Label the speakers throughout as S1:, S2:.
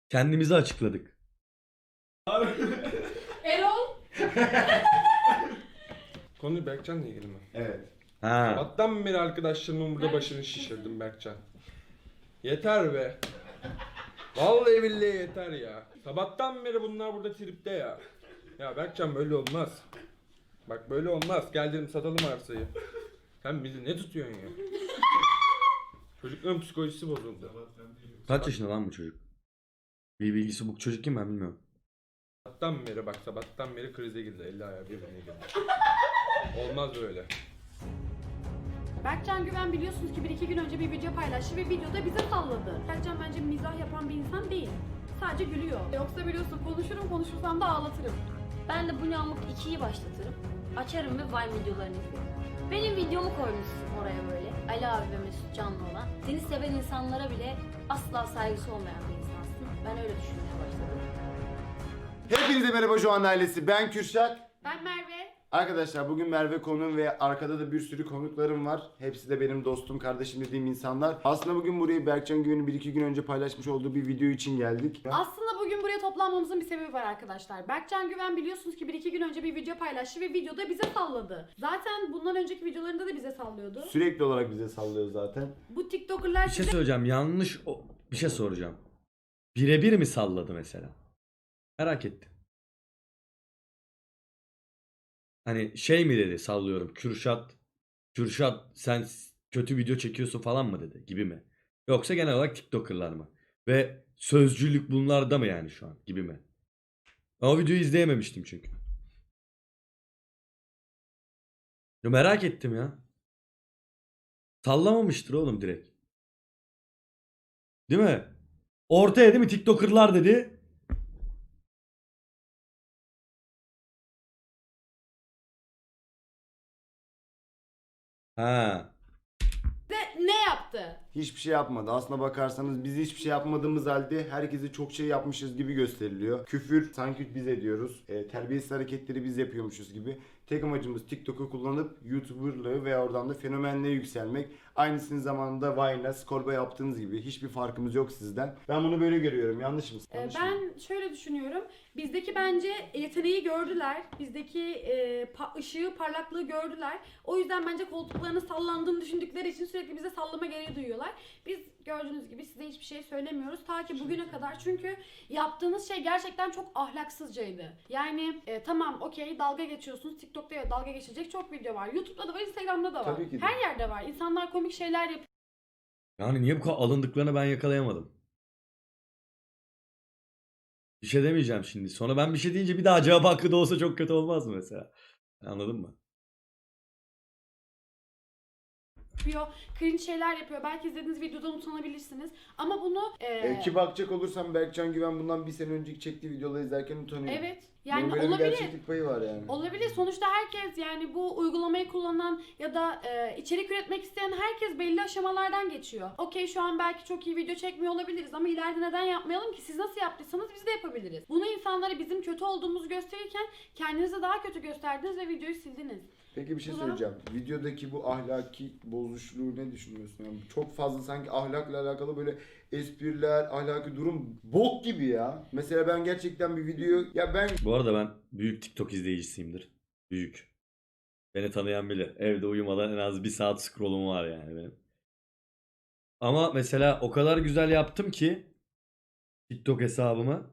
S1: Kendimizi açıkladık.
S2: Erol.
S3: Konu Berkcan'la ilgili mi?
S4: Evet.
S1: Ha.
S3: Sabahtan beri arkadaşlarımın burada başını şişirdim Berkcan. Yeter be. Vallahi billahi yeter ya. Sabahtan beri bunlar burada tripte ya. Ya Berkcan böyle olmaz. Bak böyle olmaz. Gel dedim satalım arsayı. Sen bizi ne tutuyorsun ya? Çocukların psikolojisi bozuldu.
S1: Kaç yaşında lan bu çocuk? Bir bilgisi bu çocuk kim ben bilmiyorum.
S3: Sabahtan beri krize girdi. Elli ayağı birbirine girdi. Olmaz böyle.
S2: Berkcan Güven biliyorsunuz ki 1-2 gün önce bir video paylaştı ve videoda bize salladı. Berkcan bence mizah yapan bir insan değil. Sadece gülüyor. Yoksa biliyorsun konuşursam da ağlatırım.
S5: Ben de bu Yağmur 2'yi başlatırım. Açarım ve Vine videolarını izlerim. Benim videomu koymuşsun oraya böyle. Ali abi ve Mesut Canlı olan. Seni seven insanlara bile asla saygısı olmayan bir insansın. Ben öyle düşünmeye başladım.
S4: Hepinize merhaba Joan ailesi. Ben Kürşat.
S2: Ben Merve.
S4: Arkadaşlar bugün Merve konuğum ve arkada da bir sürü konuklarım var. Hepsi de benim dostum, kardeşim dediğim insanlar. Aslında bugün burayı Berkcan Güven'in 1-2 gün önce paylaşmış olduğu bir video için geldik.
S2: Aslında bugün buraya toplanmamızın bir sebebi var arkadaşlar. Berkcan Güven biliyorsunuz ki 1-2 gün önce bir video paylaştı ve videoda bize salladı. Zaten bundan önceki videolarında da bize sallıyordu.
S4: Sürekli olarak bize sallıyor zaten.
S2: Bu TikToker'lar
S1: Bir şey söyleyeceğim. Bir şey soracağım. Birebir mi salladı mesela? Merak ettim. Hani şey mi dedi sallıyorum. Kürşat sen kötü video çekiyorsun falan mı dedi gibi mi? Yoksa genel olarak TikToker'lar mı? Ve sözcülük bunlarda mı yani şu an gibi mi? Ben o videoyu izleyememiştim çünkü. Ya merak ettim ya. Sallamamıştır oğlum direkt. Değil mi? Ortaya değil mi TikToker'lar dedi. Ha.
S2: ne yaptı?
S4: Hiçbir şey yapmadı. Aslına bakarsanız biz hiçbir şey yapmadığımız halde herkese çok şey yapmışız gibi gösteriliyor. Küfür sanki biz ediyoruz. Terbiyesiz hareketleri biz yapıyormuşuz gibi. Tek amacımız TikTok'u kullanıp YouTuber'lığı ve oradan da fenomenliğe yükselmek. Aynısını zamanında Vine'la, Skolba yaptığınız gibi hiçbir farkımız yok sizden. Ben bunu böyle görüyorum. Yanlış mı? Yanlış mı?
S2: Ben şöyle düşünüyorum. Bizdeki bence yeteneği gördüler. Bizdeki ışığı, parlaklığı gördüler. O yüzden bence koltuklarının sallandığını düşündükleri için sürekli bize sallama gereği duyuyorlar. Biz gördüğünüz gibi size hiçbir şey söylemiyoruz. Ta ki bugüne kadar. Çünkü yaptığınız şey gerçekten çok ahlaksızcaydı. Yani tamam okey dalga geçiyorsunuz. TikTok'ta dalga geçecek çok video var. YouTube'da da var, Instagram'da da var.
S4: Tabii ki de.
S2: Her yerde var. İnsanlar komik şeyler yapıyor.
S1: Yani niye bu kadar alındıklarını ben yakalayamadım. Bir şey demeyeceğim şimdi. Sonra ben bir şey deyince bir daha cevap hakkı da olsa çok kötü olmaz mı mesela? Anladın mı?
S2: Cringe şeyler yapıyor. Belki izlediğiniz videodan utanabilirsiniz. Ama bunu
S4: Ki bakacak olursam Berkcan Güven bundan bir sene önceki çektiği videoları izlerken utanıyor.
S2: evet.
S4: Bunun
S2: Yani
S4: böyle bir
S2: olabilir.
S4: gerçeklik payı var yani.
S2: Olabilir. Sonuçta herkes yani bu uygulamayı kullanan ya da içerik üretmek isteyen herkes belli aşamalardan geçiyor. Okey şu an belki çok iyi video çekmiyor olabiliriz ama ileride neden yapmayalım ki? Siz nasıl yaptıysanız biz de yapabiliriz. Bunu insanlara bizim kötü olduğumuzu gösterirken kendinizi daha kötü gösterdiniz ve videoyu sildiniz.
S4: Peki bir şey
S2: Bu
S4: söyleyeceğim. Videodaki bu ahlaki bozuşluğu ne düşünüyorsun? Yani çok fazla sanki ahlakla alakalı böyle espriler, ahlaki durum bok gibi ya. Mesela ben gerçekten bir video
S1: Bu arada ben büyük TikTok izleyicisiyimdir. Büyük. Beni tanıyan bilir. Evde uyumadan en az bir saat scrollum var yani benim. Ama mesela o kadar güzel yaptım ki TikTok hesabımı.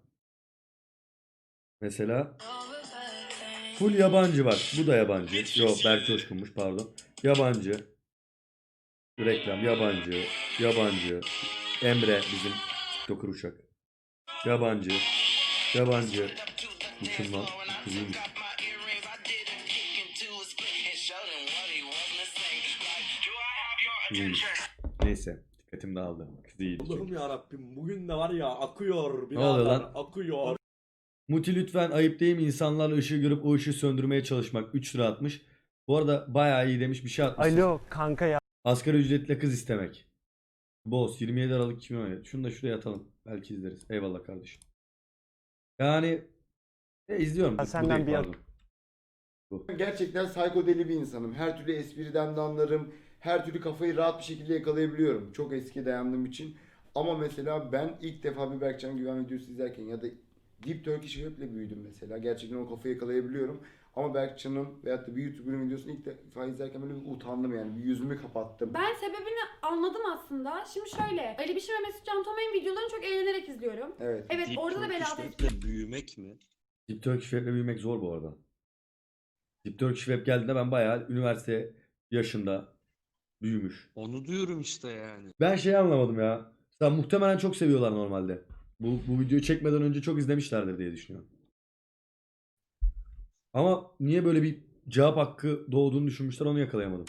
S1: Mesela full yabancı bak. Bu da yabancı. Yok Berk Coşkun'muş pardon. Yabancı. Reklam yabancı. Yabancı. Emre bizim TikToker uşak. Yabancı. Yabancı. Bu kim lan? Bu kızıymış. İyiymiş. Neyse. Dikkatim dağıldı. Kız iyiydi çünkü.
S6: Allah'ım yarabbim bugün de var ya akıyor
S1: Ne oluyor
S6: birader
S1: lan?
S6: akıyor.
S1: Muti lütfen ayıp değil mi insanlarla ışığı görüp o ışığı söndürmeye çalışmak. 3 lira atmış. Bu arada bayağı iyi demiş bir şey atmış.
S7: Alo kanka ya.
S1: Asgari ücretle kız istemek. Boss 27 Aralık 2017. Şunu da şuraya atalım. Belki izleriz. Eyvallah kardeşim. Yani izliyorum. Bu
S7: Senden
S1: değil,
S7: bir
S1: pardon.
S4: gerçekten psikodeli bir insanım. Her türlü espriden de anlarım. Her türlü kafayı rahat bir şekilde yakalayabiliyorum. Çok eski dayandığım için. Ama mesela ben ilk defa bir Berkcan Güven videosu izlerken ya da Deep Turkish Web'le büyüdüm mesela. Gerçekten o kafayı yakalayabiliyorum. Ama Berkcan'ın veyahut da bir YouTuber'ın videosunu ilk defa izlerken böyle bir utandım yani. Bir yüzümü kapattım.
S2: Ben sebebini anladım aslında. Şimdi şöyle, Ali Biçim ve Mesut Can Tomay'ın videolarını çok eğlenerek izliyorum.
S4: Evet.
S2: Evet,
S6: Deep
S2: orada da
S6: Turkish
S2: belalı
S6: Web'le büyümek mi?
S1: Deep Turkish Web'le büyümek zor bu arada. Deep Turkish Web geldiğinde ben bayağı üniversite yaşında büyümüş.
S6: Onu diyorum işte yani.
S1: Ben şeyi anlamadım ya. Sen muhtemelen çok seviyorlar normalde. Bu videoyu çekmeden önce çok izlemişlerdir diye düşünüyorum. Ama niye böyle bir cevap hakkı doğduğunu düşünmüşler onu yakalayamadım.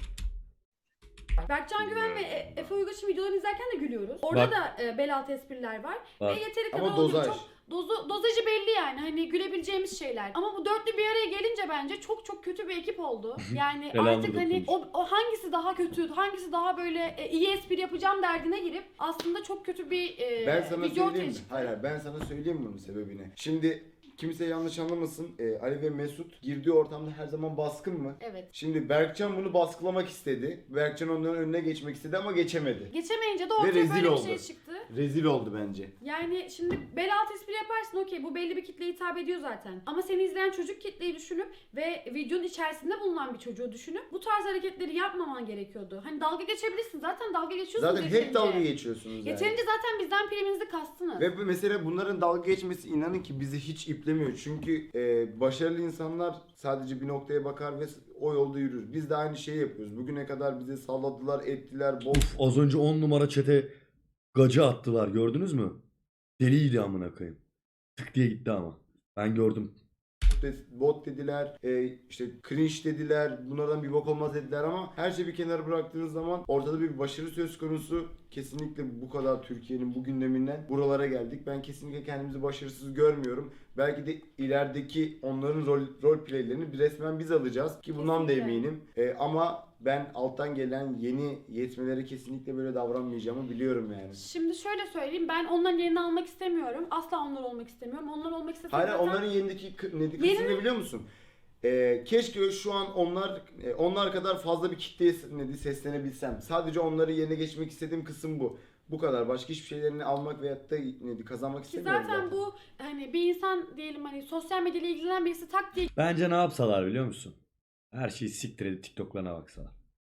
S2: Berkcan Güven ve Efe Uygaş'ın videolarını izlerken de gülüyoruz. Orada
S1: Bak.
S2: da bel espriler var.
S1: Var.
S2: Ve yeteri kadar
S4: Ama
S2: olduğu
S4: dozaj.
S2: çok dozajı belli yani. Hani gülebileceğimiz şeyler. Ama bu dörtlü bir araya gelince bence çok çok kötü bir ekip oldu. Yani
S1: Elanur
S2: artık hani
S1: dokunmuş.
S2: o hangisi daha kötü, hangisi daha böyle iyi espri yapacağım derdine girip aslında çok kötü bir
S4: Ben sana
S2: video ortaya
S4: söyleyeyim mi?
S2: çıktı.
S4: Hayır, ben sana söyleyeyim bunun sebebini. Şimdi kimse yanlış anlamasın. Ali ve Mesut girdiği ortamda her zaman baskın mı?
S2: Evet.
S4: Şimdi Berkcan bunu baskılamak istedi. Berkcan onların önüne geçmek istedi ama geçemedi.
S2: Geçemeyince de
S4: Ve
S2: ortaya
S4: rezil
S2: böyle bir
S4: oldu.
S2: şey çıktı.
S4: Rezil oldu bence.
S2: Yani şimdi bel altı espri yaparsın, okey, bu belli bir kitleye hitap ediyor zaten. Ama seni izleyen çocuk kitleyi düşünüp ve videonun içerisinde bulunan bir çocuğu düşünüp bu tarz hareketleri yapmaman gerekiyordu. Hani dalga geçebilirsin, zaten dalga geçiyorsunuz.
S4: Zaten hep
S2: yeterince.
S4: dalga geçiyorsunuz yani.
S2: Yeterince zaten bizden priminizi kastınız.
S4: Ve mesela bunların dalga geçmesi inanın ki bizi hiç iplemiyor. Çünkü başarılı insanlar sadece bir noktaya bakar ve o yolda yürür. Biz de aynı şeyi yapıyoruz. Bugüne kadar bizi salladılar, ettiler,
S1: Uf, az önce 10 numara çete gacı attılar gördünüz mü? Deliydi amına koyayım. Tık diye gitti ama. Ben gördüm.
S4: bot dediler, işte cringe dediler, bunlardan bir bok olmaz dediler ama her şeyi bir kenara bıraktığınız zaman ortada bir başarı söz konusu. Kesinlikle bu kadar Türkiye'nin bu gündeminden buralara geldik. Ben kesinlikle kendimizi başarısız görmüyorum. Belki de ilerideki onların rol playlerini resmen biz alacağız ki bundan da
S2: Kesinlikle.
S4: eminim. Ama ben alttan gelen yeni yetmelere kesinlikle böyle davranmayacağımı biliyorum yani.
S2: Şimdi şöyle söyleyeyim, ben onların yerini almak istemiyorum. Asla onlar olmak istemiyorum. Onlar olmak istesem
S4: Hayır,
S2: zaten...
S4: onların yerindeki kısmını ne biliyor musun? Keşke şu an onlar kadar fazla bir kitleye seslenebilsem. Sadece onları yerine geçmek istediğim kısım bu. Bu kadar. Başka hiçbir şeylerini almak veyahut da kazanmak
S2: Ki
S4: istemiyorum
S2: zaten bu hani bir insan diyelim, hani sosyal medyayla ilgilenen birisi tak diye
S1: Bence ne yapsalar biliyor musun? Her şeyi siktir edip TikTok'larına baksalar.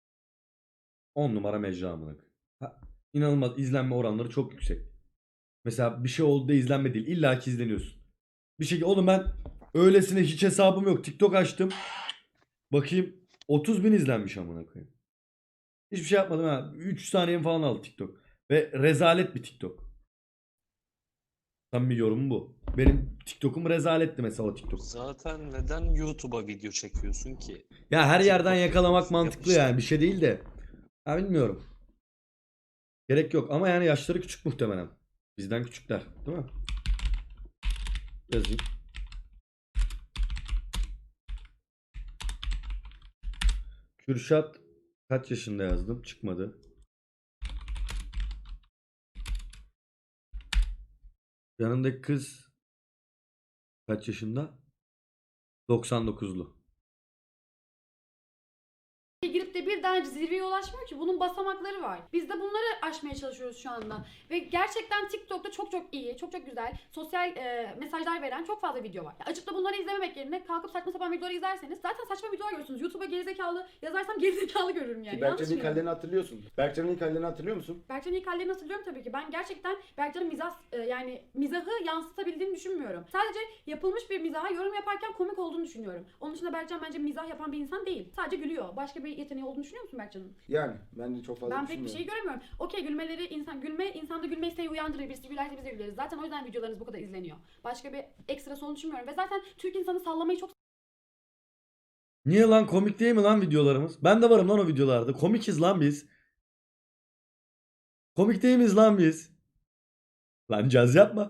S1: 10 numara mecra amına koyayım. İnanılmaz izlenme oranları çok yüksek. Mesela bir şey oldu da izlenme değil. İlla ki izleniyorsun. Bir şekilde oğlum ben öylesine hiç hesabım yok. TikTok açtım. Bakayım 30 bin izlenmiş amına koyayım. Hiçbir şey yapmadım ha. 3 saniyem falan aldı TikTok. Ve rezalet bir TikTok. Samimi yorumum bu. Benim TikTok'um rezaletti mesela o TikTok.
S6: Zaten neden YouTube'a video çekiyorsun ki?
S1: Ya her yerden
S6: TikTok
S1: yakalamak
S6: yapıyorsun,
S1: mantıklı
S6: yap işte.
S1: yani. Bir şey değil de. Ya bilmiyorum. Gerek yok ama yani yaşları küçük muhtemelen. Bizden küçükler, değil mi? Yazayım. Kürşat kaç yaşında yazdım? Çıkmadı. Yanındaki kız kaç yaşında? 99'lu.
S2: girip de birden zirveye ulaşmıyor ki. Bunun basamakları var. Biz de bunları aşmaya çalışıyoruz şu anda. Ve gerçekten TikTok'ta çok çok iyi, çok çok güzel sosyal mesajlar veren çok fazla video var. Açıp da bunları izlememek yerine kalkıp saçma sapan videoları izlerseniz zaten saçma videolar görürsünüz. YouTube'a gerizekalı yazarsam gerizekalı görürüm yani.
S4: Ki
S2: Yanlış
S4: Berkcan'ın ilk
S2: mıyım?
S4: hallerini hatırlıyorsun. Berkcan'ın ilk hallerini hatırlıyor musun?
S2: Berkcan'ın ilk hallerini hatırlıyorum tabii ki. Ben gerçekten Berkcan'ın yani mizahı yansıtabildiğini düşünmüyorum. Sadece yapılmış bir mizaha yorum yaparken komik olduğunu düşünüyorum. Onun dışında Berkcan bence mizah yapan bir insan değil. Sadece gülüyor. Başka bir yeteneği olduğunu düşünüyor musun Berkcan'ın?
S4: Yani ben de çok fazla
S2: Ben pek bir şey
S4: düşünmüyorum.
S2: göremiyorum. Okey, insanda gülme isteği uyandırır. Birisi gülerse biz de güleriz. Zaten o yüzden videolarınız bu kadar izleniyor. Başka bir ekstrası olduğunu düşünmüyorum. Ve zaten Türk insanı sallamayı çok
S1: Niye lan, komik değil mi lan videolarımız? Ben de varım lan o videolarda. Komikiz lan biz. Komik değil miyiz lan biz? Lan caz yapma.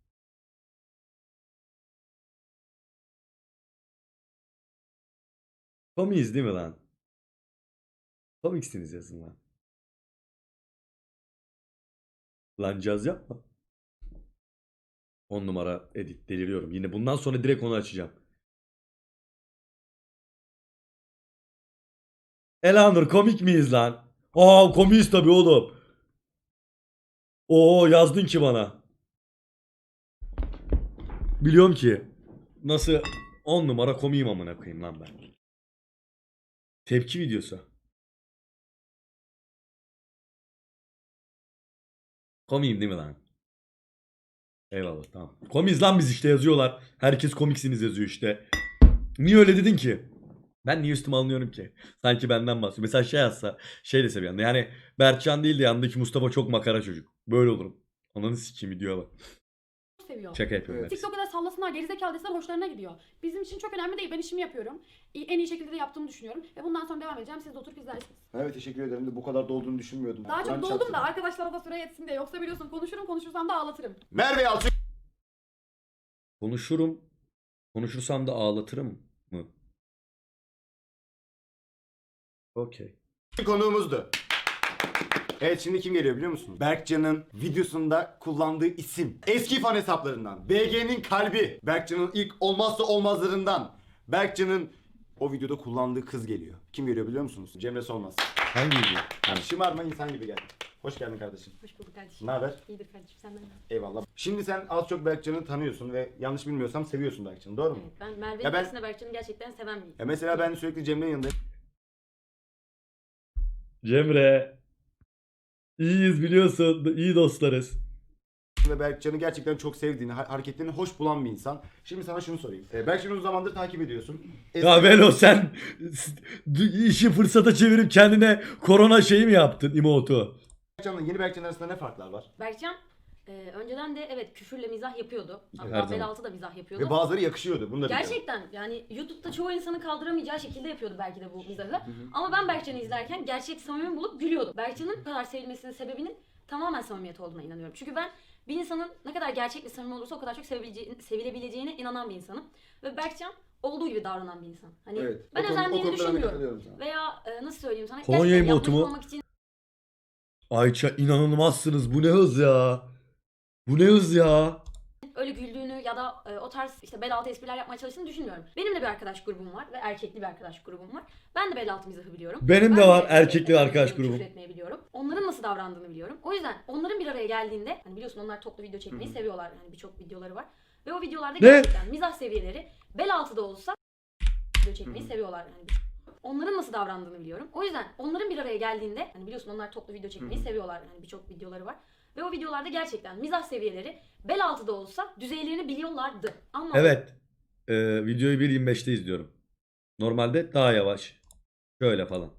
S1: Komiyiz değil mi lan? Komiksiniz yazın lan. Lan caz yapma. 10 numara edit, deliriyorum. Yine bundan sonra direkt onu açacağım. Elanur komik miyiz lan? Aa komiyiz tabii oğlum. Oo yazdın ki bana. Biliyorum ki. Nasıl 10 numara komiyim amına koyayım lan ben. Tepki videosu. Komiyim değil mi lan? Eyvallah tamam. Komiyiz lan biz işte yazıyorlar. Herkes komiksiniz yazıyor işte. Niye öyle dedin ki? Ben niye üstüme alınıyorum ki? Sanki benden bahsediyor. Mesela şey yazsa şey dese bir anda. Yani Berkcan değil de yanındaki Mustafa çok makara çocuk. Böyle olurum. Ananı sikeyim videoya bak.
S2: seviyor.
S1: Şaka yapıyorum.
S4: Evet.
S1: ben.
S2: TikTok'ta da sallasınlar, gerizekalı deseler hoşlarına gidiyor. Bizim için çok önemli değil. Ben işimi yapıyorum. En iyi şekilde de yaptığımı düşünüyorum. Ve bundan sonra devam edeceğim. Siz de oturup izlersiniz.
S4: Evet teşekkür ederim de bu kadar dolduğunu düşünmüyordum.
S2: Daha
S4: Kur'an
S2: çok doldum
S4: çarpsın.
S2: da arkadaşlara da süre yetsin diye. Yoksa biliyorsun konuşursam da ağlatırım.
S4: Merve Yalçın
S1: Konuşurum. Konuşursam da ağlatırım mı? Okey.
S4: konuğumuzdu. Evet şimdi kim geliyor biliyor musunuz? Berkcan'ın videosunda kullandığı isim. Eski fan hesaplarından. BG'nin kalbi. Berkcan'ın ilk olmazsa olmazlarından. Berkcan'ın o videoda kullandığı kız geliyor. Kim geliyor biliyor musunuz? Cemre Solmaz.
S1: Hangi video?
S4: Yani şımarma insan gibi gel. Hoş geldin kardeşim.
S2: Hoş bulduk kardeşim.
S4: Ne haber?
S2: İyidir kardeşim, senden ne?
S4: Eyvallah. Şimdi sen az çok Berkcan'ı tanıyorsun ve yanlış bilmiyorsam seviyorsun Berkcan'ı, doğru mu?
S5: Evet, ben Merve'nin
S4: Ya ben-
S5: aksine Berkcan'ı gerçekten seven biriyim.
S4: Ya mesela ben sürekli Cemre'nin yanındayım
S1: Cemre. İyiyiz biliyorsun. İyi dostlarız.
S4: ve Berkcan'ı gerçekten çok sevdiğini, hareketlerini hoş bulan bir insan. Şimdi sana şunu sorayım. Berkcan'ı uzun zamandır takip ediyorsun.
S1: Ya Velo sen işi fırsata çevirip kendine korona şeyi mi yaptın emotu?
S4: Berkcan'la yeni Berkcan arasında ne farklar var?
S5: Berkcan önceden de evet küfürle mizah yapıyordu.
S1: Her
S5: Hatta
S1: zaman.
S5: bel altı da mizah yapıyordu.
S4: Ve bazıları yakışıyordu. Bunu da biliyorum.
S5: Gerçekten yani YouTube'da çoğu insanın kaldıramayacağı şekilde yapıyordu belki de bu mizahı. Ama ben Berkcan'ı izlerken gerçek samimi bulup gülüyordum. Berkcan'ın bu kadar sevilmesinin sebebinin tamamen samimiyet olduğuna inanıyorum. Çünkü ben bir insanın ne kadar gerçek ve samimi olursa o kadar çok sevilebileceğine inanan bir insanım. Ve Berkcan olduğu gibi davranan bir insan. Hani
S4: Evet.
S5: ben
S4: O konuda
S5: özendiğini
S4: ben de
S5: düşünmüyorum.
S4: katılıyorum sana.
S5: Veya nasıl söyleyeyim sana?
S1: Kolonya
S5: gerçekten
S1: emotu mu?
S5: yapmış olmak için
S1: Ayça inanılmazsınız. Bu ne hız ya? Bu ne hız ya?
S5: öyle güldüğünü ya da o tarz işte bel altı espriler yapmaya çalıştığını düşünmüyorum. Benim de bir arkadaş grubum var ve erkekli bir arkadaş grubum var. Ben de bel altı mizahı biliyorum.
S1: Benim de
S5: Ben
S1: var erkekli arkadaş
S5: küfür
S1: grubum.
S5: etmeyi biliyorum. Onların nasıl davrandığını biliyorum. O yüzden onların bir araya geldiğinde hani biliyorsun onlar toplu video çekmeyi seviyorlar. Yani birçok videoları var. Ve o videolarda gerçekten mizah seviyeleri bel altı da olsa video çekmeyi seviyorlar. Yani onların nasıl davrandığını biliyorum. O yüzden onların bir araya geldiğinde hani biliyorsun onlar toplu video çekmeyi seviyorlar. Yani birçok videoları var. Ve o videolarda gerçekten mizah seviyeleri bel altı da olsa düzeylerini biliyorlardı. Ama
S1: Evet. Videoyu 1.25'te izliyorum. Normalde daha yavaş. Şöyle falan.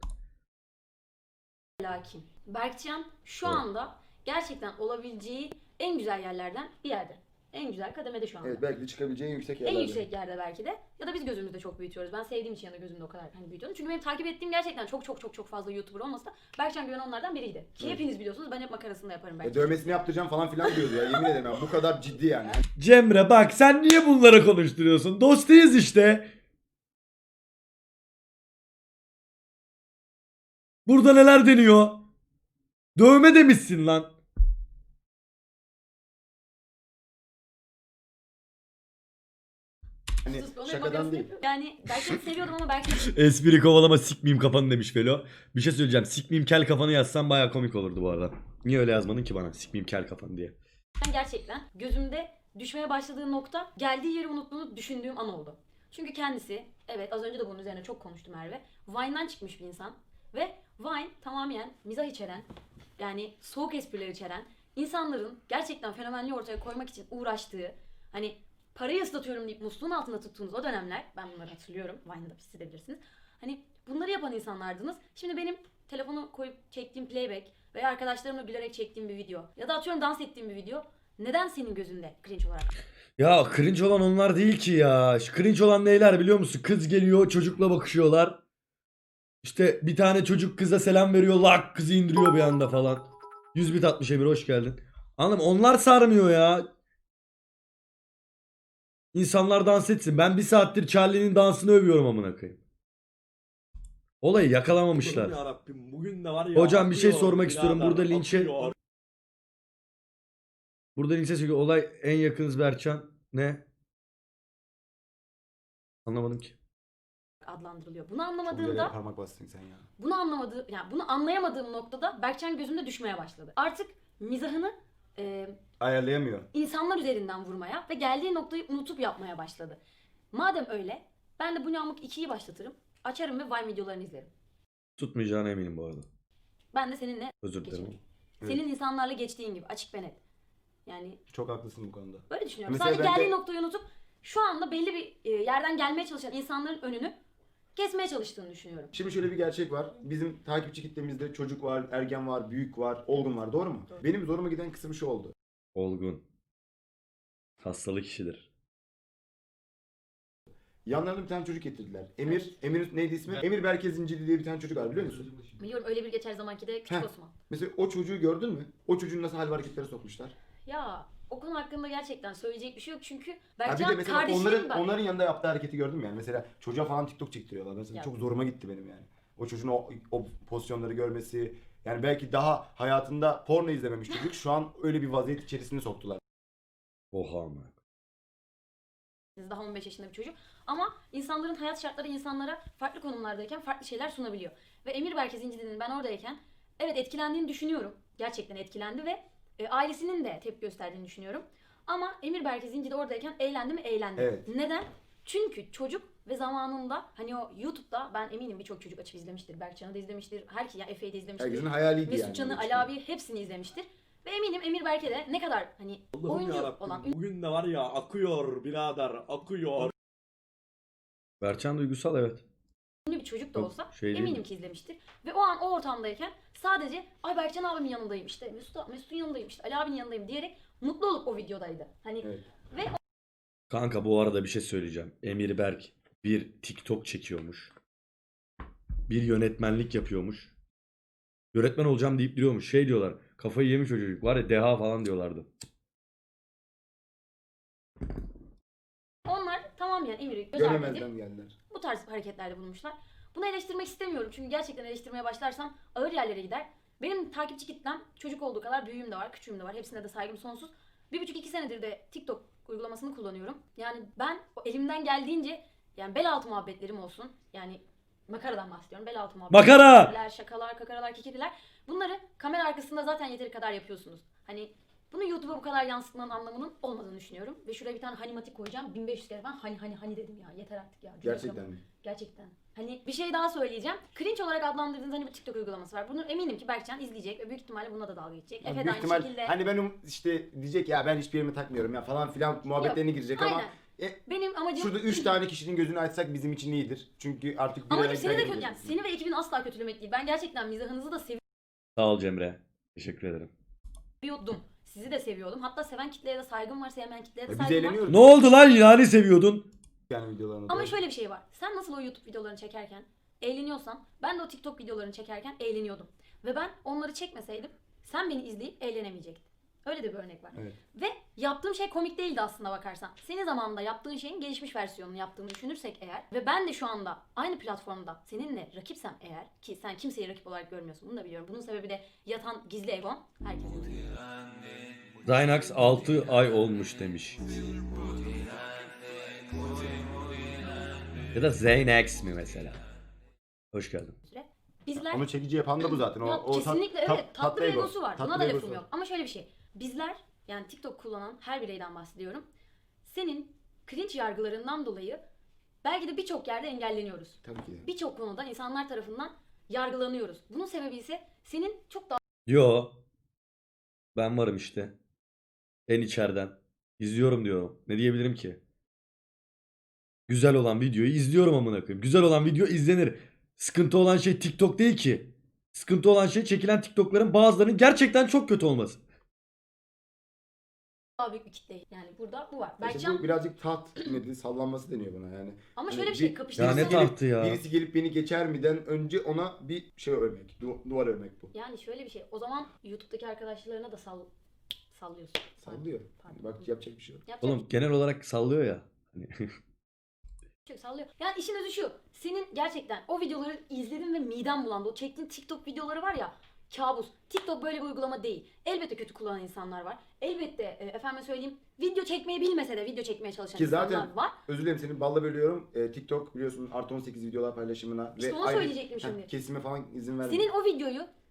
S5: lakin Berkcan şu
S1: Evet.
S5: anda gerçekten olabileceği en güzel yerlerden bir yerde. En güzel kademede şu anda.
S4: Evet belki de çıkabileceğin yüksek
S5: En
S4: yerlerde.
S5: yüksek yerde belki de. Ya da biz gözümüzde çok büyütüyoruz. Ben sevdiğim için ya da gözümde o kadar hani büyütüyorum. Çünkü benim takip ettiğim gerçekten çok fazla YouTuber olmasa da Berkcan Güven onlardan biriydi. Ki
S4: Evet.
S5: hepiniz biliyorsunuz ben hep makarasını da yaparım belki.
S4: Dövmesini yaptıracağım falan filan diyordu ya. Yemin ederim ya. Bu kadar ciddi yani.
S1: Cemre bak sen niye bunları konuşturuyorsun? Dostuyuz işte. Burada neler deniyor? Dövme demişsin lan.
S4: Hani
S5: Sus, onun
S4: şakadan
S5: makarasını
S4: değil.
S5: yapıyorum. Yani Berkcan'ı seviyordum ama Berkcan
S1: Espri kovalama sikmeyeyim kafanı demiş Velo. Bir şey söyleyeceğim. Sikmeyeyim kel kafanı yazsan baya komik olurdu bu arada. Niye öyle yazmadın ki bana? Sikmeyeyim kel kafanı diye.
S5: gerçekten gözümde düşmeye başladığı nokta geldiği yeri unuttuğunu düşündüğüm an oldu. Çünkü kendisi, evet az önce de bunun üzerine çok konuştu Merve. Vine'dan çıkmış bir insan. Ve Vine tamamen mizah içeren, yani soğuk espriler içeren, insanların gerçekten fenomenliği ortaya koymak için uğraştığı, hani parayı ıslatıyorum deyip musluğun altında tuttuğunuz o dönemler, ben bunları hatırlıyorum, Vine'da siz de bilirsiniz. Hani bunları yapan insanlardınız. Şimdi benim telefonu koyup çektiğim playback veya arkadaşlarımla gülerek çektiğim bir video ya da atıyorum dans ettiğim bir video neden senin gözünde cringe olarak?
S1: Ya cringe olan onlar değil ki ya. Şu cringe olan neyler biliyor musun? Kız geliyor çocukla bakışıyorlar. İşte bir tane çocuk kıza selam veriyor. Lak kızı indiriyor bir anda falan. 100 bit atmış Emir hoş geldin. Anladın mı? Onlar sarmıyor ya. İnsanlar dans etsin. Ben bir saattir Charlie'nin dansını övüyorum amına koyayım. Olayı yakalamamışlar.
S7: Yarabbim, bugün de var ya.
S1: Hocam bir şey
S7: akıyor,
S1: sormak istiyorum.
S7: birader,
S1: Burada linçe
S7: akıyor.
S1: Burada linçe söylüyor. Olay en yakınız Berkcan. Ne? Anlamadım ki.
S5: Adlandırılıyor. Bunu
S4: Çok güzel yere
S5: anlamadığımda
S4: parmak bastın sen ya.
S5: bunu anlamadığım, yani bunu anlayamadığım noktada Berkcan gözümde düşmeye başladı. Artık mizahını
S4: Ayarlayamıyor.
S5: insanlar üzerinden vurmaya ve geldiği noktayı unutup yapmaya başladı. Madem öyle, ben de Bu Ne Amık 2'yi başlatırım. Açarım ve Vine videolarını izlerim.
S1: Tutmayacağına eminim bu arada.
S5: Ben de seninle
S1: Özür dilerim.
S5: geçerim.
S4: Evet.
S5: Senin insanlarla geçtiğin gibi açık ve net. Yani
S4: Çok haklısın bu konuda.
S5: böyle düşünüyorum.
S4: Mesela
S5: Sadece
S4: ben de-
S5: geldiği noktayı unutup şu anda belli bir yerden gelmeye çalışan insanların önünü kesmeye çalıştığını düşünüyorum.
S4: Şimdi şöyle bir gerçek var. Bizim takipçi kitlemizde çocuk var, ergen var, büyük var, olgun var. Doğru mu?
S5: Doğru.
S4: Benim zoruma giden kısım şu oldu.
S1: Olgun. Hastalık işidir.
S4: Yanlarında bir tane çocuk getirdiler. Emir neydi ismi? Emir Berke Zincirli diye bir tane çocuk var biliyor musun?
S5: Biliyorum öyle bir geçer zamanki de Küçük
S4: Heh.
S5: Osman.
S4: Mesela o çocuğu gördün mü? O çocuğun nasıl hal ve hareketlere sokmuşlar.
S5: Ya o konu hakkında gerçekten söyleyecek bir şey yok çünkü
S4: Ha bir
S5: Berkcan
S4: de mesela
S5: kardeşim ben.
S4: onların yanında yaptığı hareketi gördün mü yani? Mesela çocuğa falan TikTok çektiriyorlar. Mesela
S5: Ya.
S4: çok zoruma gitti benim yani. O çocuğun o pozisyonları görmesi. Yani belki daha hayatında porno izlememiş çocuk. Şu an öyle bir vaziyet içerisine soktular.
S1: Oha ama.
S5: Daha 15 yaşında bir çocuk. Ama insanların hayat şartları insanlara farklı konumlardayken farklı şeyler sunabiliyor. Ve Emir Berke Zincirli'nin ben oradayken evet etkilendiğini düşünüyorum. Gerçekten etkilendi ve ailesinin de tepki gösterdiğini düşünüyorum. Ama Emir Berke Zincirli oradayken eğlendi mi? Eğlendi.
S4: Evet.
S5: Neden? Çünkü çocuk ve zamanında hani o YouTube'da ben eminim birçok çocuk açıp izlemiştir. Berkcan'ı da izlemiştir. Herkes ya Efe'yi de izlemiştir.
S4: Herkesin hayaliydi yani.
S5: Mesut Can'ı, Ali abi hepsini izlemiştir. Ve eminim Emir Berke de ne kadar hani oyuncu olan,
S7: Bugün de var ya akıyor birader akıyor.
S1: Berçan duygusal evet.
S5: ünlü bir çocuk da
S1: Çok
S5: olsa
S1: şey değil
S5: eminim
S1: mi?
S5: ki izlemiştir. Ve o an o ortamdayken sadece ay Berkcan abimin yanındayım işte Mesut'un yanındayım işte Ali abinin yanındayım diyerek mutlu olup o videodaydı. Hani
S4: Evet.
S5: ve
S1: Kanka bu arada bir şey söyleyeceğim. Emir Berk bir TikTok çekiyormuş. Bir yönetmenlik yapıyormuş. Yönetmen olacağım deyip duruyormuş. Şey diyorlar. Kafayı yemiş o çocuk. Var ya deha falan diyorlardı.
S5: onlar tamamen Emir'i göz ardı edip
S4: Göremezden geldiler.
S5: bu tarz hareketlerde bulunmuşlar. Bunu eleştirmek istemiyorum çünkü gerçekten eleştirmeye başlarsam ağır yerlere gider. Benim takipçi kitlem çocuk olduğu kadar büyüğüm de var, küçüğüm de var. Hepsine de saygım sonsuz. 1,5-2 senedir de TikTok uygulamasını kullanıyorum. Yani ben elimden geldiğince yani bel altı muhabbetlerim olsun. Yani makaradan bahsediyorum. Bel altı muhabbetleri.
S1: Makara!
S5: espriler, şakalar, kakaralar, kekeliler. Bunları kamera arkasında zaten yeteri kadar yapıyorsunuz. Hani bunu YouTube'a bu kadar yansıtmanın anlamının olmadığını düşünüyorum. Ve şuraya bir tane hanimatik koyacağım. 1500 kere falan hani dedim ya. Yeter artık ya.
S4: Gerçekten mi?
S5: Gerçekten. Hani bir şey daha söyleyeceğim. Cringe olarak adlandırdığınız hani bir TikTok uygulaması var. Bunu eminim ki Berkcan izleyecek ve büyük ihtimalle buna da dalga geçecek.
S4: Yani
S5: Efe de
S4: büyük
S5: aynı
S4: ihtimal
S5: şekilde.
S4: hani ben işte diyecek ya ben hiçbir yerime takmıyorum ya falan filan muhabbetlerine girecek ama
S5: Aynen. Benim amacım
S4: şurada 3 tane kişinin gözünü açsak bizim için iyidir. Çünkü artık bir
S5: amacım
S4: araya
S5: seni de
S4: geleceğiz.
S5: yani seni ve ekibini asla kötülemek değil. Ben gerçekten mizahınızı da
S1: Sağ ol Cemre. Teşekkür ederim.
S5: seviyordum. Sizi de seviyordum. Hatta seven kitleye de saygım var, sevmeyen kitleye de
S4: Biz
S5: saygım var.
S4: eğleniyoruz.
S1: Ne oldu lan yani seviyordun?
S4: Yani videolarını.
S5: Ama
S4: doğru.
S5: şöyle bir şey var. Sen nasıl o YouTube videolarını çekerken eğleniyorsan ben de o TikTok videolarını çekerken eğleniyordum. Ve ben onları çekmeseydim sen beni izleyip eğlenemeyecektin. Öyle de bir örnek var.
S4: Evet.
S5: Ve yaptığım şey komik değildi aslında bakarsan. Senin zamanında yaptığın şeyin gelişmiş versiyonunu yaptığını düşünürsek eğer ve ben de şu anda aynı platformda seninle rakipsem eğer ki sen kimseyi rakip olarak görmüyorsun bunu da biliyorum. Bunun sebebi de yatan gizli egon. Herkesin biliyor.
S1: Zynax 6 ay olmuş demiş. Ya da Zaynax mi mesela? Hoş geldin.
S5: Bizler
S4: Onu çekici yapan da bu zaten.
S5: Ya kesinlikle evet tatlı bir
S4: ego.
S5: egosu var.
S4: Tatlı
S5: Buna da
S4: egosu
S5: lafım
S4: var.
S5: yok. Ama şöyle bir şey. Bizler yani TikTok kullanan her bireyden bahsediyorum. Senin cringe yargılarından dolayı belki de birçok yerde engelleniyoruz.
S4: Tabii ki de.
S5: Birçok konuda insanlar tarafından yargılanıyoruz. Bunun sebebi ise senin çok daha
S1: Yo. Ben varım işte. En içeriden. İzliyorum diyorum. Ne diyebilirim ki? Güzel olan videoyu izliyorum amına koyayım. Güzel olan video izlenir. Sıkıntı olan şey TikTok değil ki. Sıkıntı olan şey çekilen TikTok'ların bazılarının gerçekten çok kötü olması.
S5: büyük bir kitle. Yani burada bu var.
S4: İşte
S5: Berkcan
S4: bu birazcık taht nedir sallanması deniyor buna yani.
S5: ama
S4: Hani
S5: şöyle bir şey
S1: Ya
S5: kapıştırmak.
S1: ne
S4: gelip-
S1: tahtı ya.
S4: Birisi gelip beni geçer miden önce ona bir şey örmek. Duvar örmek bu.
S5: Yani şöyle bir şey. O zaman YouTube'daki arkadaşlarına da sallıyorsun.
S4: Sallıyor.
S5: Pardon.
S4: Bak yapacak bir şey yok.
S5: Yapacak
S1: Oğlum genel olarak sallıyor ya. Hani
S5: çok sallıyor. Yani işin özü şu. Senin gerçekten o videoları izledin ve miden bulandı. O çektiğin TikTok videoları var ya kabus. TikTok böyle bir uygulama değil. Elbette kötü kullanan insanlar var. Elbette efendime söyleyeyim video çekmeyi bilmese de video çekmeye çalışan
S4: Ki
S5: insanlar
S4: zaten
S5: var.
S4: özür dilerim seni balla bölüyorum. TikTok biliyorsun artı 18 videolar paylaşımına
S5: İşte ona söyleyecektim şimdi.
S4: kesime falan izin vermiyor.
S5: Senin o videoyu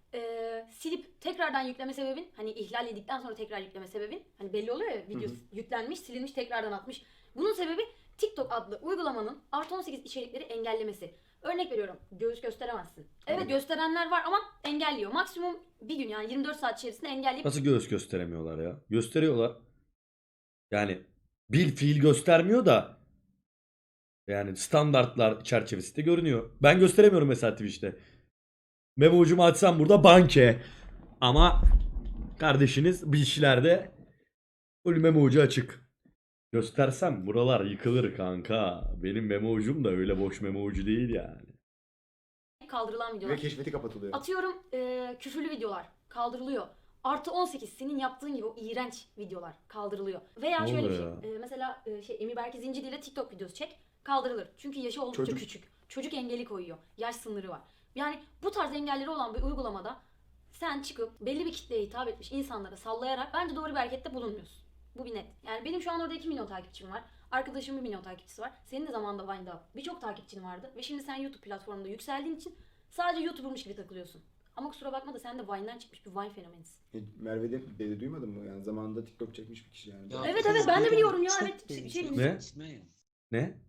S5: silip tekrardan yükleme sebebin, hani ihlal edildikten sonra tekrar yükleme sebebin, hani belli oluyor ya, video yüklenmiş, silinmiş, tekrardan atmış. Bunun sebebi TikTok adlı uygulamanın +18 içerikleri engellemesi. Örnek veriyorum, göğüs gösteremezsin. Evet, gösterenler var ama engelliyor. Maksimum bir gün, yani 24 saat içerisinde engelleyip
S1: Nasıl göğüs gösteremiyorlar ya? Gösteriyorlar. Yani bil fiil göstermiyor da yani standartlar çerçevesinde görünüyor. Ben gösteremiyorum mesela Twitch'te. Memo ucumu açsam burada banke. Ama kardeşiniz bir işlerde full memo ucu açık. Göstersem buralar yıkılır kanka. Benim memo ucum da öyle boş memo ucu değil yani.
S5: kaldırılan
S4: Ve
S5: videolar.
S4: keşfeti kapatılıyor.
S5: Atıyorum küfürlü videolar kaldırılıyor. +18 senin yaptığın gibi o iğrenç videolar kaldırılıyor. Veya
S1: Ne
S5: şöyle bir
S1: oluyor
S5: şey. Mesela Emi Berke Zincirli ile TikTok videosu çek, kaldırılır. Çünkü yaşı oldukça
S4: Çocuk.
S5: küçük. Çocuk engeli koyuyor. Yaş sınırı var. Yani bu tarz engelleri olan bir uygulamada sen çıkıp belli bir kitleye hitap etmiş insanlara sallayarak bence doğru bir harekette bulunmuyorsun. Bu bir net. Yani benim şu an orada 2 milyon takipçim var. Arkadaşımın 1 milyon takipçisi var. Senin de zamanında Vine'da birçok takipçin vardı. Ve şimdi sen YouTube platformunda yükseldiğin için sadece YouTuber'mış gibi takılıyorsun. Ama kusura bakma da sen de Vine'den çıkmış bir Vine fenomenisin.
S4: Merve'de duymadın mı? Yani zamanında TikTok çekmiş bir kişi yani.
S6: Ya
S5: Evet,
S6: kız
S5: evet, ben de
S6: birine
S5: biliyorum ya,
S6: çok
S5: evet,
S6: benziyor.
S1: Ne?
S6: Kime?
S1: Ne?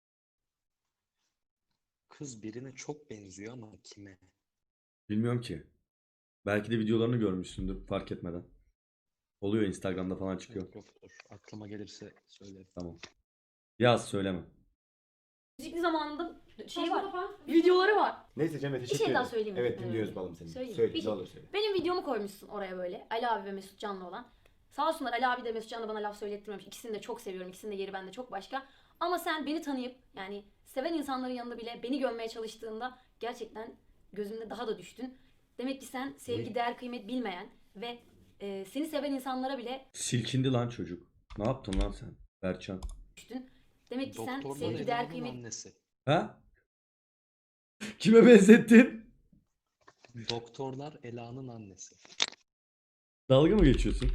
S6: Kız birine çok benziyor ama kime?
S1: Bilmiyorum ki. Belki de videolarını görmüşsündür fark etmeden. Oluyor Instagram'da falan çıkıyor.
S6: Yok, dur. Aklıma gelirse söylerim.
S1: Tamam. Yaz söyleme.
S5: Müzikli zamanında şey
S2: Saçma
S5: var.
S2: sapan
S5: Videoları var.
S4: Neyse Cem'e teşekkür
S5: şey
S4: ederim.
S5: daha söyleyeyim mi?
S4: Evet dinliyoruz balım seni.
S5: Söyleyeyim.
S4: Söyle
S5: Bir
S4: ne
S5: şey.
S4: olur söyle.
S5: Benim videomu koymuşsun oraya böyle. Ali abi ve Mesut Can'la olan. Sağ olsunlar, Ali abi de Mesut Can da bana laf söylettirmemiş. İkisini de çok seviyorum. İkisinin de yeri bende çok başka. Ama sen beni tanıyıp, yani seven insanların yanında bile beni gömmeye çalıştığında gerçekten gözümde daha da düştün. Demek ki sen sevgi, değer, kıymet bilmeyen ve seni seven insanlara bile
S1: Silkindi lan çocuk. Ne yaptın lan sen? Berçan.
S5: düştün. Demek ki sen
S6: Doktorlar
S5: sevgi, değer,
S6: Ela'nın
S5: kıymet...
S6: annesi.
S1: Ha? Kime benzettin?
S6: Doktorlar Ela'nın annesi.
S1: Dalga mı geçiyorsun?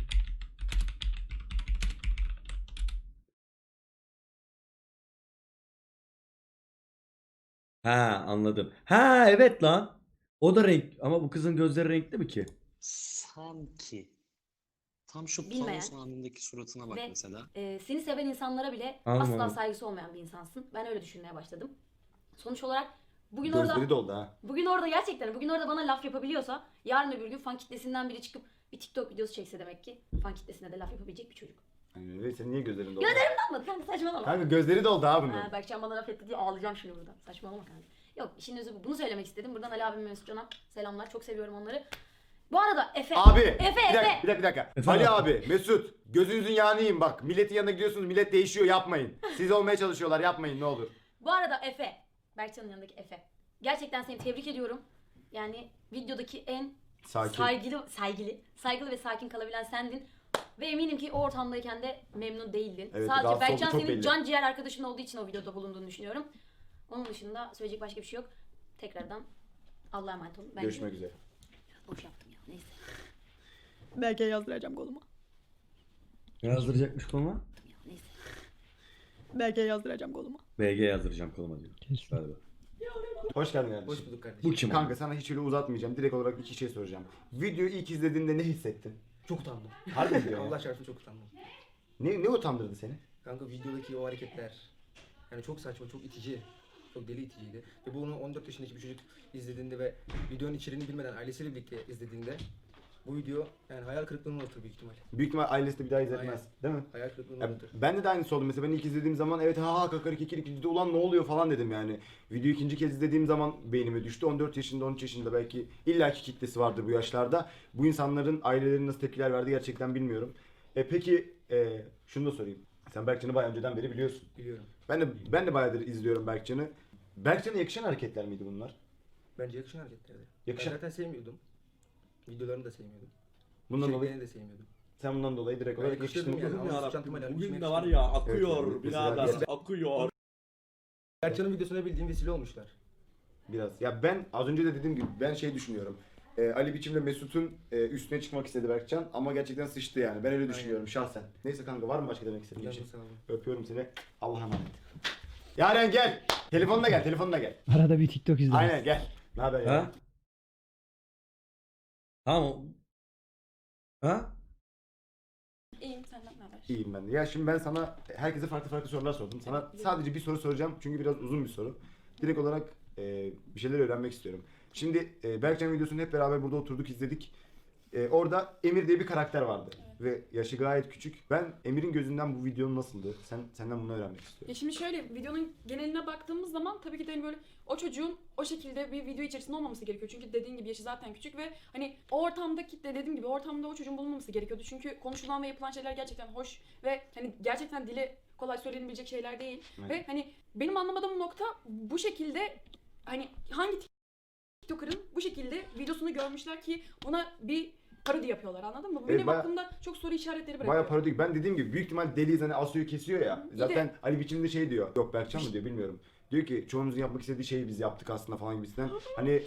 S1: Ha anladım. Ha evet lan. O da renk ama bu kızın gözleri renkli mi ki?
S6: Sanki. Tam şu
S5: Bilmeyen
S6: Panos anındaki suratına bak
S5: ve
S6: mesela.
S5: seni seven insanlara bile
S1: Anladım.
S5: asla saygısı olmayan bir insansın. Ben öyle düşünmeye başladım. Sonuç olarak bugün
S4: Gözleri
S5: orada
S4: doldu ha.
S5: bugün orada gerçekten bugün orada bana laf yapabiliyorsa yarın öbür gün fan kitlesinden biri çıkıp bir TikTok videosu çekse demek ki fan kitlesine de laf yapabilecek bir çocuk.
S4: Yani ve senin niye gözlerin doldu?
S5: Anladın kanka, saçmalama.
S4: Kanka gözleri doldu ha bunun.
S5: Ha, Berkcan bana laf etti diye ağlayacağım şimdi burada. Saçmalama kanka. Yok, işin özü bu. Bunu söylemek istedim. Buradan Ali abim ve Mesut Can'a selamlar. Çok seviyorum onları. Bu arada Efe.
S4: Abi
S5: Efe.
S4: bir dakika.
S1: Efe
S4: Ali
S1: abi.
S4: abi, Mesut gözünüzün yağını yiyin bak. Milletin yanına gidiyorsunuz, millet değişiyor, yapmayın. Siz olmaya çalışıyorlar, yapmayın ne olur.
S5: Bu arada Efe. Berkcan'ın yanındaki Efe. Gerçekten seni tebrik ediyorum. Yani videodaki en
S4: Sakin.
S5: saygılı ve sakin kalabilen sendin. Ve eminim ki o ortamdayken de memnun değildin.
S4: Evet,
S5: Sadece
S4: rahatsız
S5: Berkcan
S4: oldu, çok
S5: senin
S4: belli.
S5: can ciğer arkadaşın olduğu için o videoda bulunduğunu düşünüyorum. Onun dışında söyleyecek başka bir şey yok. Tekrardan Allah'a emanet olun. Ben
S4: Görüşmek üzere.
S5: boş yaptım ya. Neyse.
S2: Belki yazdıracağım koluma.
S1: Ne yazdıracakmış koluma?
S5: Neyse.
S2: Belki yazdıracağım koluma.
S1: BG yazdıracağım koluma diyor. Galiba.
S4: Hoş geldin kardeşim.
S8: Hoş bulduk kardeşim.
S1: Bu kim?
S4: Kanka sana hiç öyle uzatmayacağım. Direkt olarak iki şey soracağım. Videoyu ilk izlediğinde ne hissettin?
S8: Çok utandım.
S4: Harbi mi diyorsun
S8: Allah
S4: ya?
S8: çarpsın çok utandım.
S4: Ne utandırdı seni?
S8: Kanka videodaki o hareketler yani çok saçma, çok itici. Çok deli iticiydi. Ve bunu 14 yaşındaki bir çocuk izlediğinde ve videonun içeriğini bilmeden ailesiyle birlikte izlediğinde bu video yani hayal kırıklığına uğratır büyük ihtimal.
S4: Büyük ihtimal ailesi de bir daha izletmez.
S8: Aynen.
S4: Değil mi?
S8: Hayal kırıklığına
S4: Ya,
S8: uğratır.
S4: ben de aynısı oldu. Mesela ben ilk izlediğim zaman evet ha kakar kekir ulan ne oluyor falan dedim yani. Videoyu ikinci kez izlediğim zaman beynime düştü. 14 yaşında 13 yaşında belki illaki kitlesi vardır bu yaşlarda. Bu insanların aileleri nasıl tepkiler verdi gerçekten bilmiyorum. Peki şunu da sorayım. Sen Berkcan'ı bayağı önceden beri biliyorsun.
S8: Biliyorum.
S4: Ben de bayağıdır izliyorum Berkcan'ı. Berkcan'a yakışan hareketler miydi bunlar?
S8: Bence yakışan hareketlerdi.
S4: Yakışan.
S8: Ben zaten sevmiyordum. Videolarını da sevmiyordum.
S4: Bundan dolayı
S8: İçeriklerini de sevmiyordum.
S4: sen bundan dolayı direkt
S8: Ben
S4: olarak
S8: yakıştırdım
S4: yakıştın.
S8: yani.
S7: Bugün,
S8: Ama
S7: ya
S8: Suçan Tümel'e
S7: Bugün de
S8: düşmek
S7: var
S8: istedim.
S7: ya akıyor
S4: Evet,
S7: birader
S4: mesela-
S7: akıyor.
S8: Berkcan'ın videosuna bildiğim vesile olmuşlar.
S4: Biraz. Ya ben az önce de dediğim gibi ben şey düşünüyorum. Ali Biçim'le Mesut'un üstüne çıkmak istedi Berkcan ama gerçekten sıçtı yani. Ben öyle düşünüyorum şahsen. Neyse kanka var mı başka demek istediğin bir şey?
S8: Canım sağ olun.
S4: Öpüyorum seni. Allah'a emanet. Yaren gel. Telefonla gel.
S9: Arada bir TikTok izledim.
S4: Aynen gel. Ne haber ya?
S1: Ha? Tamam. Ha?
S2: İyiyim, senden ne haber?
S4: İyiyim ben de. Ya şimdi ben sana herkese farklı farklı sorular sordum. Sana sadece bir soru soracağım çünkü biraz uzun bir soru. Direkt olarak bir şeyler öğrenmek istiyorum. Şimdi Berkcan videosunu hep beraber burada oturduk izledik. Orada Emir diye bir karakter vardı. Ve yaşı gayet küçük. Ben Emir'in gözünden bu videonun nasıldı? Senden bunu öğrenmek istiyorum.
S9: Ya şimdi şöyle videonun geneline baktığımız zaman tabii ki de hani böyle o çocuğun o şekilde bir video içerisinde olmaması gerekiyor. Çünkü dediğin gibi yaşı zaten küçük ve hani o ortamdaki de dediğim gibi ortamda o çocuğun bulunmaması gerekiyordu. Çünkü konuşulan ve yapılan şeyler gerçekten hoş ve hani gerçekten dili kolay söylenebilecek şeyler değil.
S4: Evet.
S9: Ve hani benim anlamadığım nokta bu şekilde hani hangi TikToker'ın bu şekilde videosunu görmüşler ki ona bir parodi yapıyorlar, anladın mı? Bu benim
S4: bayağı-
S9: aklımda çok soru işaretleri bırakıyor.
S4: Bayağı parodik. Ben dediğim gibi büyük ihtimal Deliyiz hani Asu'yu kesiyor ya.
S9: Bir
S4: Zaten
S9: de-
S4: Ali biçimde şey diyor. Yok Berkcan mı diyor bilmiyorum. Diyor ki çoğumuzun yapmak istediği şeyi biz yaptık aslında falan gibisinden. Hani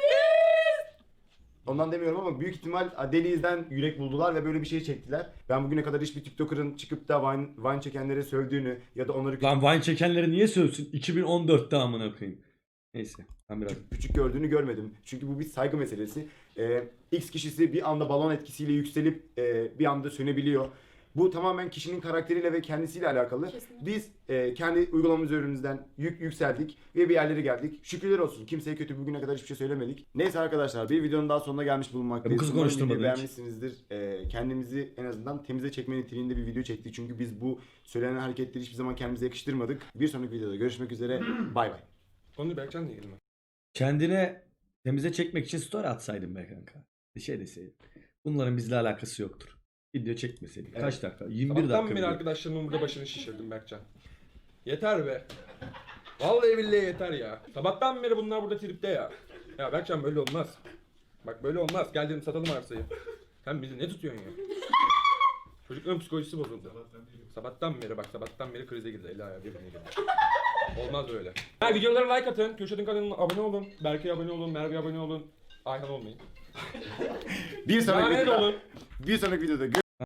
S4: ondan demiyorum ama büyük ihtimal Deliyiz'den yürek buldular ve böyle bir şey çektiler. Ben bugüne kadar hiçbir TikToker'ın çıkıp da Vine çekenlere sövdüğünü ya da onları
S1: Lan Vine çekenleri niye sövsün? 2014'te amına koyayım. Neyse. Ben biraz
S4: küçük gördüğünü görmedim. Çünkü bu bir saygı meselesi. X kişisi bir anda balon etkisiyle yükselip bir anda sönebiliyor. Bu tamamen kişinin karakteriyle ve kendisiyle alakalı.
S9: Kesinlikle.
S4: Biz kendi uygulamamız üzerinden yükseldik ve bir yerlere geldik. Şükürler olsun. Kimseye kötü bugüne kadar hiçbir şey söylemedik. Neyse arkadaşlar bir videonun daha sonuna gelmiş bulunmaktayız.
S1: Bu kızı
S4: Umarım
S1: konuşturmadın
S4: videoyu
S1: hiç.
S4: beğenmişsinizdir. Kendimizi en azından temize çekme niteliğinde bir video çektik. Çünkü biz bu söylenen hareketleri hiçbir zaman kendimize yakıştırmadık. Bir sonraki videoda görüşmek üzere. Bay bay.
S3: Konu Berkcan'la ilgili mi?
S1: kendine temize çekmek için story atsaydın be kanka. Bir şey deseydin. Bunların bizle alakası yoktur. Video çekmeseydin.
S4: Evet.
S1: Kaç dakika? 21
S3: Sabahtan
S1: dakika.
S3: beri
S1: video.
S3: arkadaşlarımın burada başını şişirdim Berkcan. Yeter be. Vallahi billahi yeter ya. Sabahtan beri bunlar burada tripte ya. Ya Berkcan böyle olmaz. Bak böyle olmaz. Gel dedim satalım arsayı. Sen bizi ne tutuyorsun ya? Çocukların psikolojisi bozuldu. Sabahtan beri krize girdi. Eli ayağı birbirine girdi. Olmaz böyle. Ha, videolara like atın. Kürşat'ın kanalına abone olun. Berke'ye abone olun. Merve'ye abone olun. Ayhan olmayın.
S4: Bir sonraki
S3: Lanet
S4: videoda,
S3: olun.
S4: bir sonraki videoda